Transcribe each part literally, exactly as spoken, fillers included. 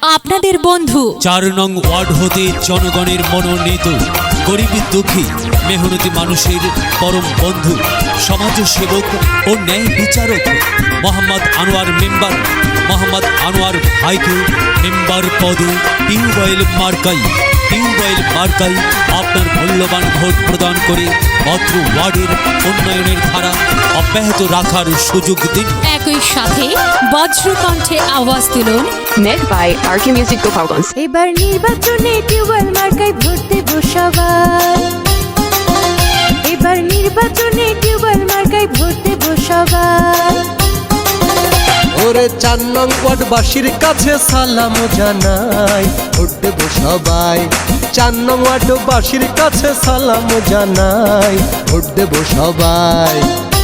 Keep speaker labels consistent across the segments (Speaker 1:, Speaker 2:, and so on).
Speaker 1: আপনাদের বন্ধু।
Speaker 2: চার নং ওয়ার্ড হতে জনগণের মনোনীত গরিব দুঃখী মেহনতি মানুষের পরম বন্ধু সমাজসেবক ও ন্যায় বিচারক মোহাম্মদ আনোয়ার মেম্বার মোহাম্মদ আনোয়ার ভাইকে মেম্বার পদে টিউবওয়েল মার্কাই টিউবওয়েল মার্কাই আপনার মূল্যবান ভোট প্রদান করে অত্র ওয়ার্ডের উন্নয়নের ধারা অব্যাহত রাখার সুযোগ দিন।
Speaker 1: একই সাথে বজ্রকণ্ঠে আওয়াজ তুলুন
Speaker 3: Made by R K Music Gopalganj।
Speaker 4: এবার নির্বাচনে টিউবওয়েল মার্কায় ভোট দেব সবাই। এবার নির্বাচনে টিউবওয়েল মার্কায় ভোট দেব সবাই।
Speaker 5: ওরে চার নং ওয়ার্ডবাসীর কাছে সালাম জানাই, ভোট দেব সবাই। চার নং ওয়ার্ডবাসীর কাছে সালাম জানাই, ভোট দেব সবাই।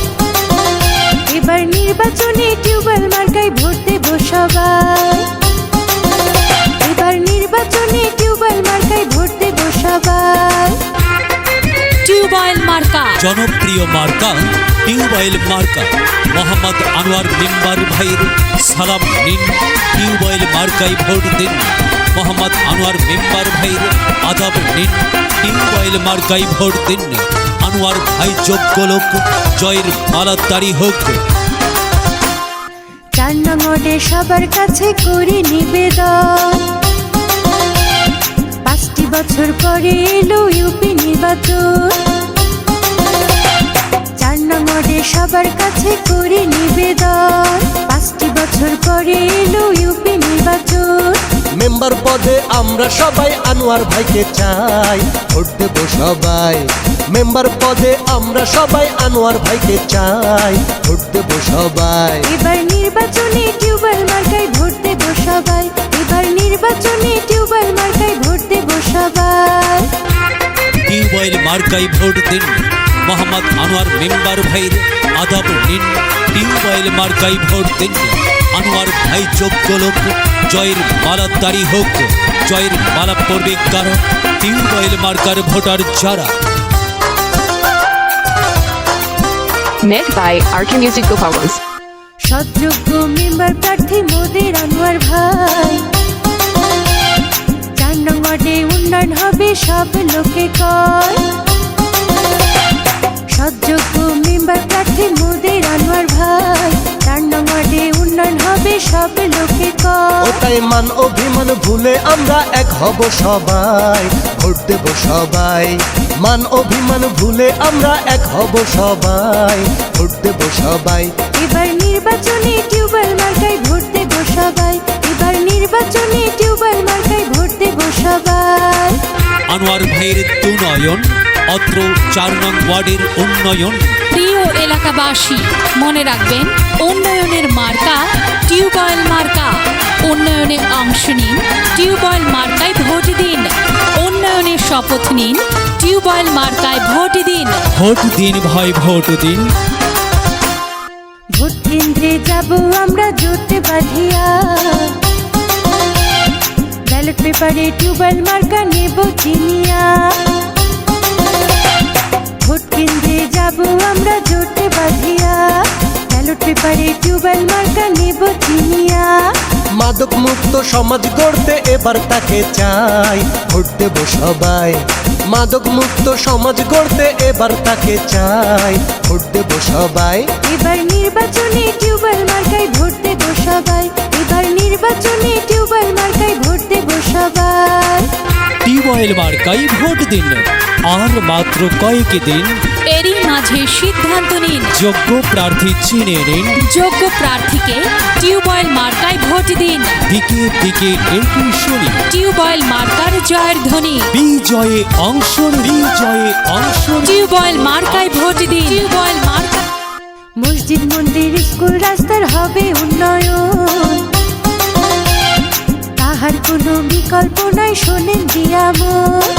Speaker 4: এবার নির্বাচনে টিউবওয়েল মার্কায় ভোট দেব সবাই। এবার নির্বাচনে টিউবওয়েল মার্কায় ভোট দেব সবাই।
Speaker 1: টিউবওয়েল মার্কা
Speaker 2: জনপ্রিয় মার্কা টিউবওয়েল মার্কা মোহাম্মদ আনোয়ার মেম্বার ভাইয়ের সালাম নিন, টিউবওয়েল মার্কায় ভোট দিন। মোহাম্মদ আনোয়ার মেম্বার ভাইয়ের আদাব নিন, টিউবওয়েল মার্কায় ভোট দিন। আনোয়ার ভাই যোগ্য লোক, জয়ের মালাতারি হোক।
Speaker 4: চার নং ওয়ার্ডে সবার কাছে করি নিবেদন, পাঁচটি বছর পরে এলো ইউপি নির্বাচন। চার নং ওয়ার্ডে সবার কাছে করি নিবেদন, পাঁচটি বছর পরে এলো ইউপি নির্বাচন।
Speaker 5: মেম্বার পদে আমরা সবাই আনোয়ার ভাইকে চাই, ভোট দেব সবাই। মেম্বার পদে আমরা সবাই আনোয়ার ভাইকে চাই, ভোট দেব সবাই।
Speaker 4: এবার নির্বাচনে টিউবওয়েল মার্কায় ভোট দেব সবাই। এবার নির্বাচনে টিউবওয়েল মার্কায় ভোট দেব সবাই।
Speaker 2: টিউবওয়েল মার্কায় ভোট দিন। মোহাম্মদ আনোয়ার মেম্বার ভাইয়ের আদাব নিন, টিউবওয়েল মার্কায় ভোট দিন। আনোয়ার ভাই যোগ্য লোক, জয়ের মালাতারি হোক। জয়ের মালা পড়বে কারণ টিউবওয়েল মার্কার ভোটার যারা।
Speaker 3: Made by R K Music Gopalganj।
Speaker 4: সৎযোগ্য মেম্বার প্রার্থী মোদের আনোয়ার ভাই। চার নং ওয়ার্ডে উন্নয়ন হবে সব লোকে কয়। সৎযোগ্য মেম্বার প্রার্থী মোদের আনোয়ার ভাই। চার নং ওয়ার্ডে উন্নয়ন হবে সব লোকে কয়।
Speaker 5: ওটাই মান অভিমান ভুলে আমরা এক হব সবাই, ভোট দেব সবাই। মান অভিমান ভুলে আমরা এক হব সবাই, ভোট দেব সবাই।
Speaker 4: এবার নির্বাচনে টিউবওয়েল মার্কায় ভোট দেব সবাই। এবার নির্বাচনে টিউবওয়েল মার্কায় ভোট দেব সবাই।
Speaker 2: আনোয়ার ভাইয়ের দুনয়ন, অত্র চার নং ওয়ার্ডের উন্নয়ন।
Speaker 1: প্রিয় এলাকাবাসী, মনে রাখবেন উন্নয়নের মার্কা টিউবওয়েল মার্কা। উন্নয়নে অংশ নিন, টিউবওয়েল মার্কায় ভোট দিন। উন্নয়নের শপথ নিন, টিউবওয়েল মার্কায় ভোট দিন।
Speaker 2: ভোট দিন ভাই, ভোট দিন।
Speaker 4: ভোট কেন্দ্রে যাব আমরা জোটে বাঁধিয়া, ব্যালট পেপারে টিউবওয়েল মার্কা নেব চিনিয়া। ভোট কেন্দ্রে যাব আমরা জোটে বাঁধিয়া, ব্যালট পেপারে টিউবওয়েল মার্কা নেব চিনিয়া।
Speaker 5: মাদক মুক্ত সমাজ গড়তে এবার তাকে চাই, ভোট দেব সবাই। মাদক মুক্ত সমাজ গড়তে এবার তাকে চাই, ভোট দেব সবাই।
Speaker 4: এবার নির্বাচনে টিউবওয়েল মার্কায় ভোট দেব সবাই। এবার নির্বাচনে টিউবওয়েল মার্কায় ভোট দেব সবাই।
Speaker 2: টিউবওয়েল মার্কায় ভোট দিন। আর মাত্র কয়েক দিন,
Speaker 1: এরই মাঝে সিদ্ধান্ত নিন,
Speaker 2: যোগ্য প্রার্থী চিনে নিন।
Speaker 1: যোগ্য প্রার্থীকে টিউবওয়েল মার্কায় ভোট দিন।
Speaker 2: দিকে দিকে একই শুনি,
Speaker 1: টিউবওয়েল মার্কার জয়ের ধ্বনি।
Speaker 2: বিজয়ে অংশ নিন, বিজয়ে অংশ নিন।
Speaker 1: টিউবওয়েল মার্কায় ভোট দিন। টিউবওয়েল মার্কা
Speaker 4: মসজিদ মন্দির স্কুল রাস্তার হবে উন্নয়ন, তাহার কোনো বিকল্প নাই শোনেন দিয়ামত।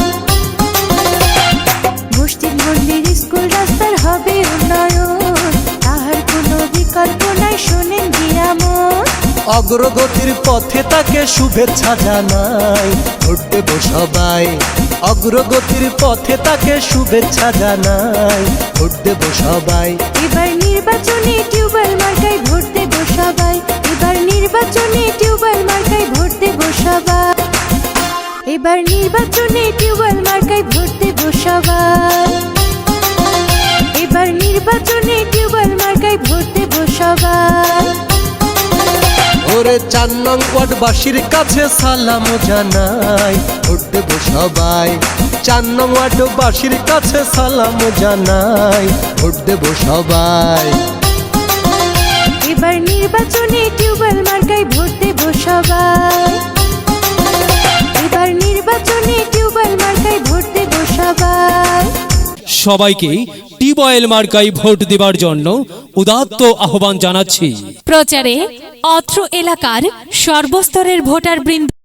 Speaker 4: মসজিদ মন্দির স্কুল রাস্তার হবে উন্নয়ন, তাহার কোনো বিকল্প নাই শোনেন দিয়ামত।
Speaker 5: অগ্রগতির পথে তাকে শুভেচ্ছা জানাই ভোট দেব সবাই অগ্রগতির পথে তাকে শুভেচ্ছা জানাই ভোট দেব সবাই
Speaker 4: এবার নির্বাচনে টিউবওয়েল মার্কায় ভোট দেব সবাই এবার নির্বাচনে টিউবওয়েল মার্কায় ভোট দেব সবাই এবার নির্বাচনে টিউবওয়েল মার্কায় ভোট দেব সবাই এবার নির্বাচনে টিউবওয়েল মার্কায় ভোট দেব সবাই
Speaker 5: ওরে চার নং ওয়ার্ডবাসীর কাছে সালাম জানাই ভোট দেব সবাই চার নং ওয়ার্ডবাসীর কাছে সালাম জানাই ভোট দেব সবাই
Speaker 4: এবার নির্বাচনে টিউবওয়েল মার্কায় ভোট দেব সবাই এবার নির্বাচনে টিউবওয়েল মার্কায় ভোট দেব সবাই
Speaker 2: সবাইকে টিউবওয়েল মার্কায় ভোট দেবার জন্য উদাত্ত আহ্বান জানাচ্ছি।
Speaker 1: প্রচারে অত্র এলাকার সর্বস্তরের ভোটার বৃন্দ।